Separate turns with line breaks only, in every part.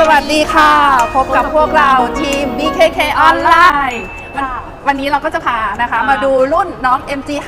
วัสดีค่ะพบกับพวกเราทีม BKK ออนไลน์วันนี้เราก็จะพานะคะมาดูรุ่นน้อง MG5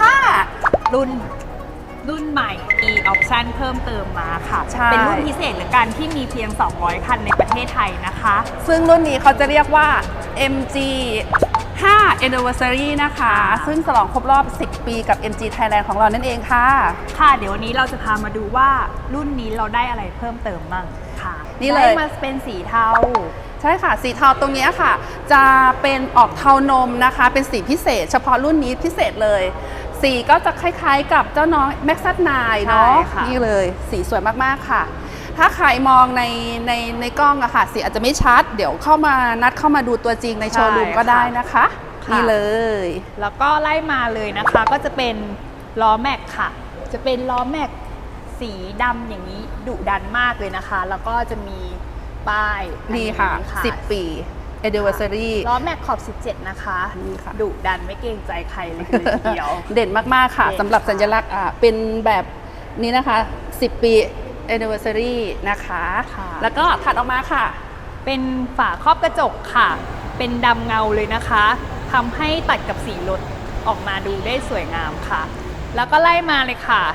รุ่นใหม่มีออปชั่นเพิ่มเติมมาค่ะ
เป็น
รุ่นพิเศษหรือการที่มีเพียง 200 คันในประเทศไทยนะคะ
ซึ่งรุ่นนี้เขาจะเรียกว่า MG5 Anniversary นะคะซึ่งฉลองครบรอบ 10 ปีกับ MG Thailand ของเรานั่นเองค่ะ
ค่ะเดี๋ยววันนี้เราจะพามาดูว่ารุ่นนี้เราได้อะไรเพิ่มเติมบ้างค่ะ
นี่เลย
ได้มาเป็นสีเทา
ใช่ค่ะสีเทาตรงนี้ค่ะจะเป็นออกเทานมนะคะเป็นสีพิเศษเฉพาะรุ่นนี้พิเศษเลยสีก็จะคล้ายๆกับเจ้าน้อง Maxxus 9 เนาะนี่เลยสีสวยมากๆค่ะถ้าใครมองในกล้องอะค่ะสีอาจจะไม่ชัดเดี๋ยวเข้ามาดูตัวจริงในโชว์รูมก็ได้นะคะนี่เลย
แล้วก็ไล่มาเลยนะคะก็จะเป็นล้อแม็กค่ะจะเป็นล้อแม็กสีดำอย่างนี้ดุดันมากเลยนะคะแล้วก็จะมีป้าย
นี่ค่ะ10 ปี Anniversary
ล้อแม็กขอบ17นะคะดุดันไม่เกรงใจใครเลยทีเดียว
เด่นมากๆค่ะสำหรับสัญลักษณ์เป็นแบบนี้นะคะ10 ปี Anniversary นะคะแล้วก็ถัดออกมาค่ะ
เป็นฝาครอบกระจกค่ะเป็นดำเงาเลยนะคะทำให้ตัดกับสีรถออกมาดูได้สวยงามค่ะแล้วก็ไล่มาเลยค่ะ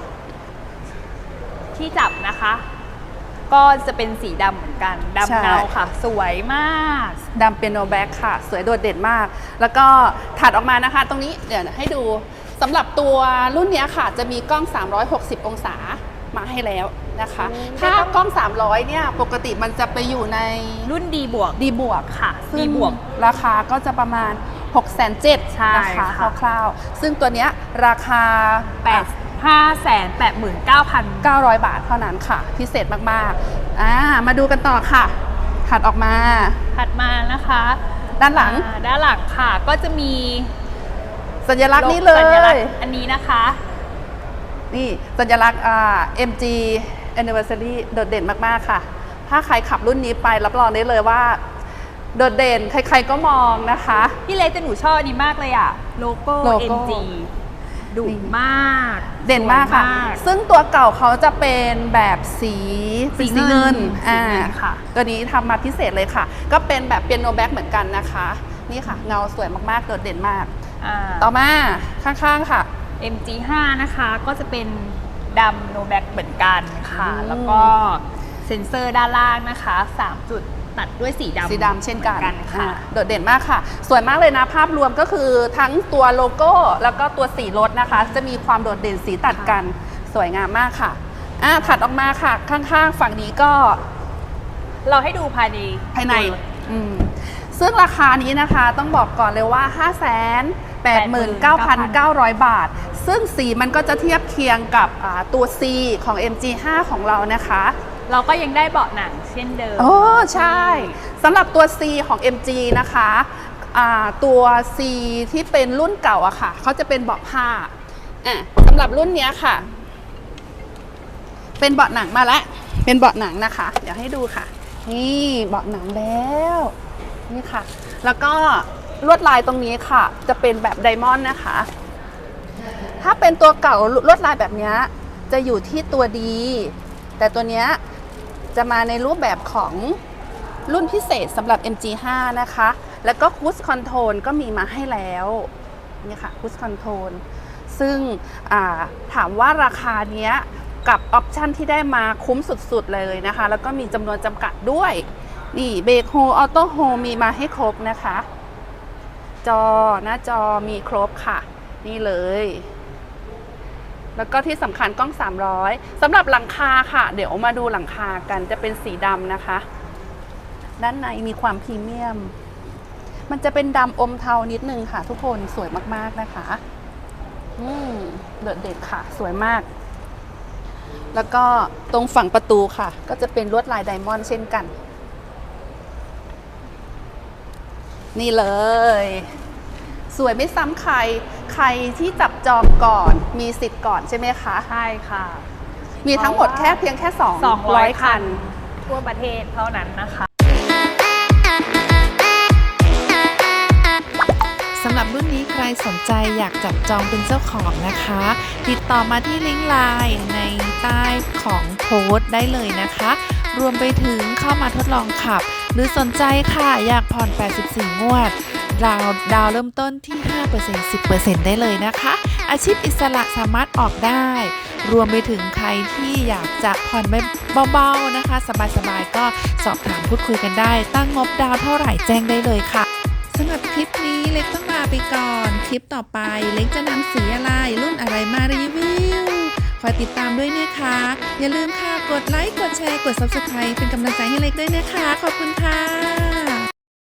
ที่จับนะคะก็จะเป็นสีดำเหมือนกันดำเงาค่ะสวยมาก
ดำเป็นโนแบ็คค่ะสวยโดดเด่นมากแล้วก็ถัดออกมานะคะตรงนี้เดี๋ยวให้ดูสำหรับตัวรุ่นนี้ค่ะจะมีกล้อง360องศามาให้แล้วนะคะถ้ากล้อง300เนี่ยปกติมันจะไปอยู่ใน
รุ่น D บวกค่ะ
D บวกราคาก็จะประมาณ 670,000นะคะคร่าวๆซึ่งตัวเนี้ยราคา589,900 บาทเท่านั้นค่ะพิเศษมากๆมาดูกันต่อค่ะถัดมา
นะคะ
ด้านหลัง
ค่ะก็จะมี
สัญลักษณ์นี้เลย
อันนี้นะคะ
นี่สัญลักษณ์MG Anniversary โดดเด่นมากๆค่ะถ้าใครขับรุ่นนี้ไปรับรองได้เลยว่าโดดเด่นใครๆก็มองนะคะ
พี่เล็กแต่หนูชอบอันนี้มากเลยอะโลโก้ MG ดุมาก
เด่นมากค่ะซึ่งตัวเก่าเขาจะเป็นแบบสีเงิน
ค่ะ
ตัวนี้ทำมาพิเศษเลยค่ะก็เป็นแบบเปียโนแบ็คเหมือนกันนะคะนี่ค่ะเงาสวยมากๆโดดเด่นมากต่อมาข้างๆค่ะ
MG5 นะคะก็จะเป็นดำโนแบ็คเหมือนกันค่ะแล้วก็เซ็นเซอร์ด้านล่างนะคะ3จุดตัดด้วยสีดำ
เช่นกันค่ะโดดเด่นมากค่ะสวยมากเลยนะภาพรวมก็คือทั้งตัวโลโก้แล้วก็ตัวสีรถนะคะจะมีความโดดเด่นสีตัดกันสวยงามมากค่ะถัดออกมาค่ะข้างๆฝั่งนี้ก็
เราให้ดูภายใน
ซึ่งราคานี้นะคะต้องบอกก่อนเลยว่า 589,900 บาทซึ่งสีมันก็จะเทียบเคียงกับตัว C ของ MG5 ของเรานะคะ
เราก็ยังได้เบาะหนังเช่นเดิม
โอ้ใช่สำหรับตัว C ของ MG นะคะตัว C ที่เป็นรุ่นเก่าอะค่ะเขาจะเป็นเบาะผ้าสำหรับรุ่นนี้ค่ะเป็นเบาะหนังมาแล้วเป็นเบาะหนังนะคะเดี๋ยวให้ดูค่ะนี่เบาะหนังแล้วนี่ค่ะแล้วก็ลวดลายตรงนี้ค่ะจะเป็นแบบไดมอนด์นะคะถ้าเป็นตัวเก่าลวดลายแบบนี้จะอยู่ที่ตัวดีแต่ตัวเนี้ยจะมาในรูปแบบของรุ่นพิเศษสำหรับ MG5 นะคะแล้วก็คูสคอนโทรลก็มีมาให้แล้วนี่ค่ะคูสคอนโทรลซึ่งถามว่าราคาเนี้ยกับออปชันที่ได้มาคุ้มสุดๆเลยนะคะแล้วก็มีจำนวนจำกัดด้วยนี่เบรกโฮออโต้โฮมีมาให้ครบนะคะหน้าจอมีครบค่ะนี่เลยแล้วก็ที่สำคัญกล้อง300สำหรับหลังคาค่ะเดี๋ยวมาดูหลังคากันจะเป็นสีดำนะคะด้านในมีความพรีเมียมมันจะเป็นดำอมเทานิดนึงค่ะทุกคนสวยมากๆนะคะโดดเด่นค่ะสวยมากแล้วก็ตรงฝั่งประตูค่ะก็จะเป็นลวดลายไดมอนด์เช่นกันนี่เลยสวยไม่ซ้ำใครที่จับจองก่อนมีสิทธิ์ก่อนใช่ไหมคะ
ใช่ค่ะ
มีทั้งหมดเพียงแค่200 คัน
ทั่วประเทศเท่านั้นนะคะ
สำหรับรุ่นนี้ใครสนใจอยากจับจองเป็นเจ้าของนะคะติดต่อมาที่ลิงก์ไลน์ในใต้ของโพสต์ได้เลยนะคะรวมไปถึงเข้ามาทดลองขับ หรือสนใจค่ะอยากผ่อน 84 งวด ดาวเริ่มต้นที่ 5% 10% ได้เลยนะคะ อาชีพอิสระสามารถออกได้ รวมไปถึงใครที่อยากจะผ่อนเบาๆนะคะ สบายๆก็สอบถามพูดคุยกันได้ ตั้งงบดาวเท่าไหร่แจ้งได้เลยค่ะสำหรับคลิปนี้เล็กต้องลาไปก่อน คลิปต่อไปเล็กจะนำสีอะไรรุ่นอะไรมารีวิวคอยติดตามด้วยนะคะ อย่าลืมค่ะกดไลค์กดแชร์กด Subscribe เป็นกำลังใจให้เล็กด้วยนะคะขอบคุณค่ะ